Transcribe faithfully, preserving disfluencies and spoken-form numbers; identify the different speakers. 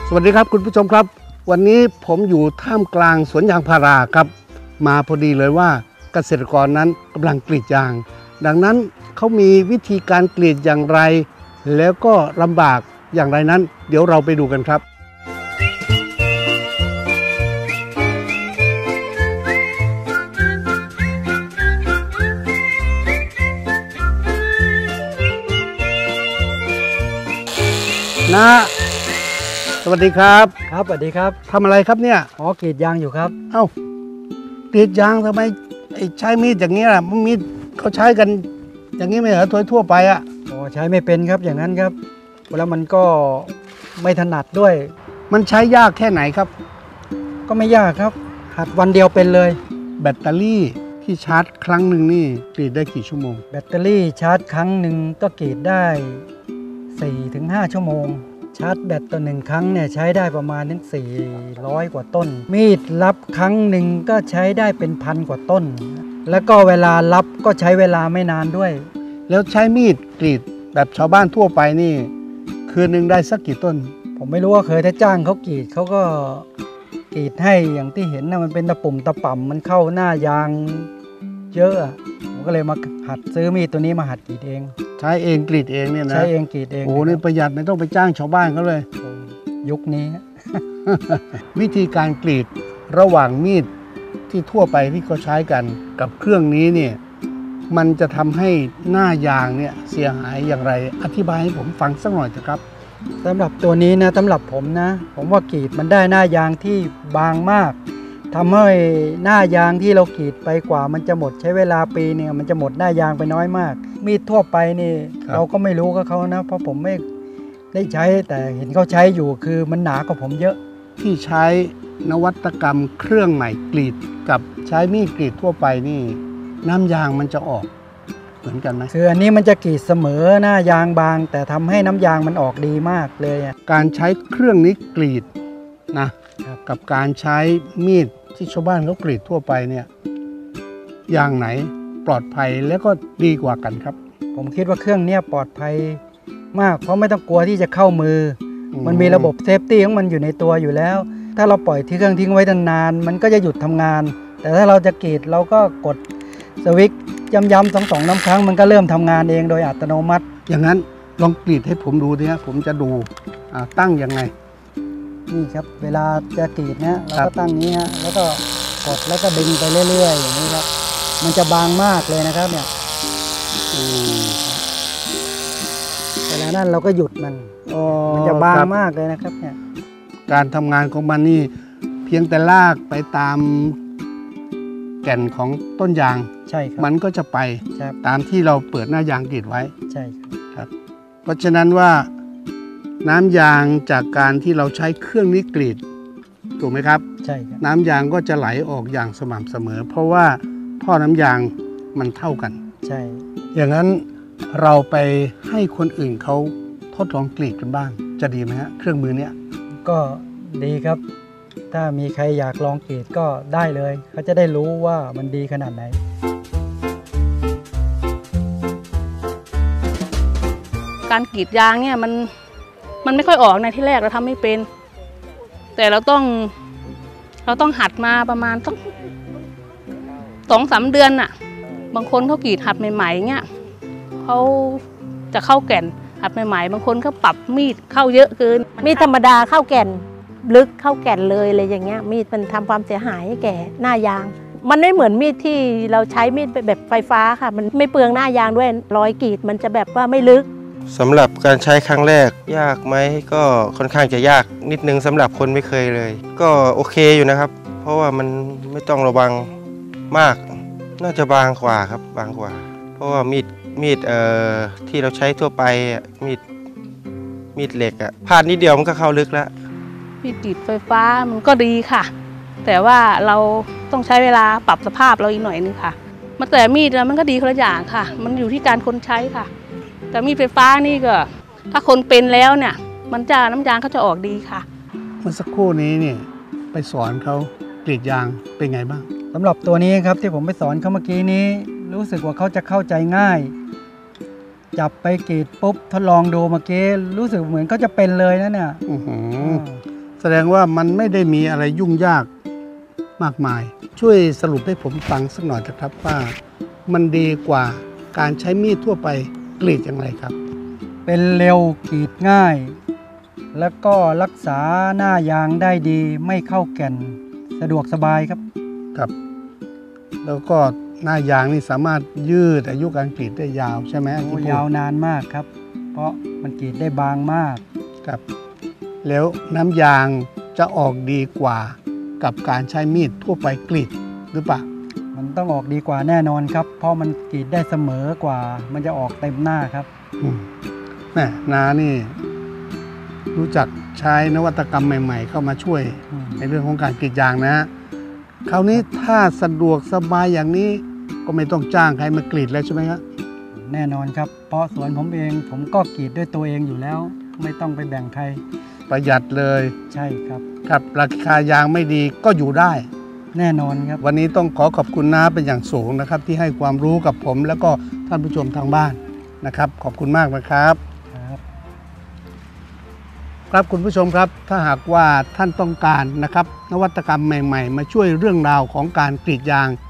Speaker 1: สวัสดีครับคุณผู้ชมครับวันนี้ผมอยู่ท่ามกลางสวนยางพาราครับมาพอดีเลยว่าเกษตรกรนั้นกำลังกรีดยางดังนั้นเขามีวิธีการกรีดอย่างไรแล้วก็ลำบากอย่างไรนั้นเดี๋ยวเราไปดูกันครับนะสวัสดีครับ
Speaker 2: ครับสวัสดีครับ
Speaker 1: ทำอะไรครับเนี่ย
Speaker 2: อ๋อกรีดยางอยู่ครับ
Speaker 1: เอ้ากรีดยางทำไมใช้มีดอย่างนี้ล่ะมีดเขาใช้กันอย่างนี้ไม่เหรอทั่วทั่วไปอ่ะ
Speaker 2: อ๋อใช้ไม่เป็นครับอย่างนั้นครับแล้วมันก็ไม่ถนัดด้วย
Speaker 1: มันใช้ยากแค่ไหนครับ
Speaker 2: ก็ไม่ยากครับหัดวันเดียวเป็นเลย
Speaker 1: แบตเตอรี่ที่ชาร์จครั้งหนึ่งนี่กรีดได้กี่ชั่วโมง
Speaker 2: แบตเตอรี่ชาร์จครั้งหนึ่งก็กรีดได้ สี่ถึงห้า ชั่วโมงชาร์จแบตต่อหนึ่งครั้งเนี่ยใช้ได้ประมาณถึงสี่ร้อยกว่าต้นมีดรับครั้งหนึ่งก็ใช้ได้เป็นพันกว่าต้นแล้วก็เวลารับก็ใช้เวลาไม่นานด้วย
Speaker 1: แล้วใช้มีดกรีดแบบชาวบ้านทั่วไปนี่คืนหนึ่งได้สักกี่ต้น
Speaker 2: ผมไม่รู้ว่าเคยถ้าจ้างเขากรีดเขาก็กรีดให้อย่างที่เห็นนะมันเป็นตะปุ่มตะป่ำมันเข้าหน้ายางเยอะผมก็เลยมาหัดซื้อมีดตัวนี้มาหัดกรีดเอง
Speaker 1: ใช้เองกรีดเองเนี่ยนะ
Speaker 2: ใช้เองกรีดเอง
Speaker 1: โอ้นี่ประหยัดไม่ต้องไปจ้างชาวบ้านเขาเลย
Speaker 2: ยุคนี้
Speaker 1: วิธีการกรีดระหว่างมีดที่ทั่วไปที่เขาใช้กันกับเครื่องนี้เนี่ยมันจะทำให้หน้ายางเนี่ยเสียหายอย่างไรอธิบายให้ผมฟังสักหน่อยเถอะครับ
Speaker 2: สำหรับตัวนี้นะสำหรับผมนะผมว่ากรีดมันได้หน้ายางที่บางมากทำให้หน้ายางที่เรากรีดไปกว่ามันจะหมดใช้เวลาปีเนี่ยมันจะหมดหน้ายางไปน้อยมากมีดทั่วไปนี่เราก็ไม่รู้กับเขานะเพราะผมไม่ได้ใช้แต่เห็นเขาใช้อยู่คือมันหนากว่าผมเยอะ
Speaker 1: ที่ใช้นวัตกรรมเครื่องใหม่กรีดกับใช้มีดกรีดทั่วไปนี่น้ำยางมันจะออกเหมือนกันไหม
Speaker 2: คืออันนี้มันจะกรีดเสมอหน้ายางบางแต่ทำให้น้ำยางมันออกดีมากเลย
Speaker 1: การใช้เครื่องนี้กรีดนะกับการใช้มีดที่ชาวบ้านเขากรีดทั่วไปเนี่ยอย่างไหนปลอดภัยและก็ดีกว่ากันครับ
Speaker 2: ผมคิดว่าเครื่องนี้ปลอดภัยมากเพราะไม่ต้องกลัวที่จะเข้ามือมันมีระบบเซฟตี้ของมันอยู่ในตัวอยู่แล้วถ้าเราปล่อยที่เครื่องทิ้งไว้นานๆมันก็จะหยุดทำงานแต่ถ้าเราจะกรีดเราก็กดสวิตช์ย้ำๆสองสองน้ำครั้งมันก็เริ่มทำงานเองโดยอัตโนมัติ
Speaker 1: อย่างนั้นลองกรีดให้ผมดูดิฮะผมจะดูตั้งยังไง
Speaker 2: นี่ครับเวลาจะกรีดนะเราก็ตั้งนี้ฮะแล้วก็กดแล้วก็ดึงไปเรื่อยๆอย่างนี้ครับมันจะบางมากเลยนะครับเนี่ยเวลานั้นเราก็หยุดมันมันจะบางมากเลยนะครับเนี่ย
Speaker 1: การทำงานของมันนี่เพียงแต่ลากไปตามแก่นของต้นยาง
Speaker 2: ใช่ครับ
Speaker 1: มันก็จะไปตามที่เราเปิดหน้ายางกรีดไว้
Speaker 2: ใช่
Speaker 1: ครับเพราะฉะนั้นว่าน้ำยางจากการที่เราใช้เครื่องนี้กรีดถูกไหมครับ
Speaker 2: ใช่ครับ
Speaker 1: น้ำยางก็จะไหลออกอย่างสม่ำเสมอเพราะว่าท่อน้ำยางมันเท่ากัน
Speaker 2: ใช่
Speaker 1: อย่างนั้นเราไปให้คนอื่นเขาทดลองกรีดกันบ้างจะดีไหมฮะเครื่องมือเนี้ย
Speaker 2: ก็ดีครับถ้ามีใครอยากลองกรีดก็ได้เลยเขาจะได้รู้ว่ามันดีขนาดไหน
Speaker 3: การกรีดยางเนี่ยมันมันไม่ค่อยออกในที่แรกเราทำไม่เป็นแต่เราต้องเราต้องหัดมาประมาณสักสองสามเดือนน่ะบางคนเขากรีดหัดใหม่ๆเงี้ยเขาจะเข้าแก่นหัดใหม่ๆบางคนเขาปรับมีดเข้าเยอะเกิน
Speaker 4: มีดธรรมดาเข้าแก่นลึกเข้าแก่นเลยอะไรอย่างเงี้ยมีดมันทำความเสียหายให้แก่หน้ายางมันไม่เหมือนมีดที่เราใช้มีดแบบไฟฟ้าค่ะมันไม่เปลืองหน้ายางด้วยรอยกรีดมันจะแบบว่าไม่ลึก
Speaker 5: สำหรับการใช้ครั้งแรกยากไหมก็ค่อนข้างจะยากนิดนึงสำหรับคนไม่เคยเลยก็โอเคอยู่นะครับเพราะว่ามันไม่ต้องระวังมากน่าจะบางกว่าครับบางกว่าเพราะว่ามีดมีดเอ่อที่เราใช้ทั่วไปมีดมีดเหล็กอะพลาดนิดเดียวมันก็เข้าลึกแล้ว
Speaker 3: มีดกรีดไฟฟ้ามันก็ดีค่ะแต่ว่าเราต้องใช้เวลาปรับสภาพเราอีกหน่อยนึงค่ะมาแต่มีดมันก็ดีคนละอย่างค่ะมันอยู่ที่การคนใช้ค่ะแต่มีดไฟฟ้านี่ก็ถ้าคนเป็นแล้วเนี่ยมันจะน้ำยางเขาจะออกดีค่ะ
Speaker 1: เมื่อสักครู่นี้เนี่ยไปสอนเขากรีดยางเป็นไงบ้าง
Speaker 2: สำหรับตัวนี้ครับที่ผมไปสอนเขาเมื่อกี้นี้รู้สึกว่าเขาจะเข้าใจง่ายจับไปกรีดปุ๊บทดลองดูเมื่อกี้รู้สึกเหมือนเขาจะเป็นเลยนะเนี่ย
Speaker 1: แสดงว่ามันไม่ได้มีอะไรยุ่งยากมากมาย ช่วยสรุปให้ผมฟังสักหน่อยนะครับว่ามันดีกว่าการใช้มีดทั่วไปกรีดอย่างไรครับ
Speaker 2: เป็นเร็วกรีดง่าย แล้วก็รักษาหน้ายางได้ดีไม่เข้าแก่นสะดวกสบายครับ
Speaker 1: ครับ แล้วก็หน้ายางนี่สามารถยืดอายุการกรีดได้ยาวใช่ไหม
Speaker 2: โอ้
Speaker 1: ที่พูด
Speaker 2: ยาวนานมากครับ เพราะมันกรีดได้บางมาก
Speaker 1: ครับ แล้วน้ำยางจะออกดีกว่ากับการใช้มีดทั่วไปกรีดหรือเปล่า
Speaker 2: มันต้องออกดีกว่าแน่นอนครับ เพราะมันกรีดได้เสมอกว่า มันจะออกเต็มหน้าครับ
Speaker 1: อืมแม่นานี่ รู้จักใช้นวัตกรรมใหม่ ๆ เข้ามาช่วย
Speaker 2: อืม
Speaker 1: ในเรื่องของการกรีดยางนะฮะคราวนี้ถ้าสะดวกสบายอย่างนี้ก็ไม่ต้องจ้างใครมากรีดแล้วใช่ไหมครับ
Speaker 2: แน่นอนครับ เพราะสวนผมเองผมก็กรีดด้วยตัวเองอยู่แล้ว ไม่ต้องไปแบ่งใคร
Speaker 1: ประหยัดเลย
Speaker 2: ใช่ครับ
Speaker 1: ครับราคายางไม่ดีก็อยู่ได้
Speaker 2: แน่นอนครับ
Speaker 1: วันนี้ต้องขอขอบคุณน้าเป็นอย่างสูงนะครับ ที่ให้ความรู้กับผมแล้วก็ท่านผู้ชมทางบ้านนะครับ ขอบคุณมากนะครับ
Speaker 2: ครับ
Speaker 1: ครับคุณผู้ชมครับถ้าหากว่าท่านต้องการนะครับนวัตกรรมใหม่ๆ มาช่วยเรื่องราวของการกรีดยาง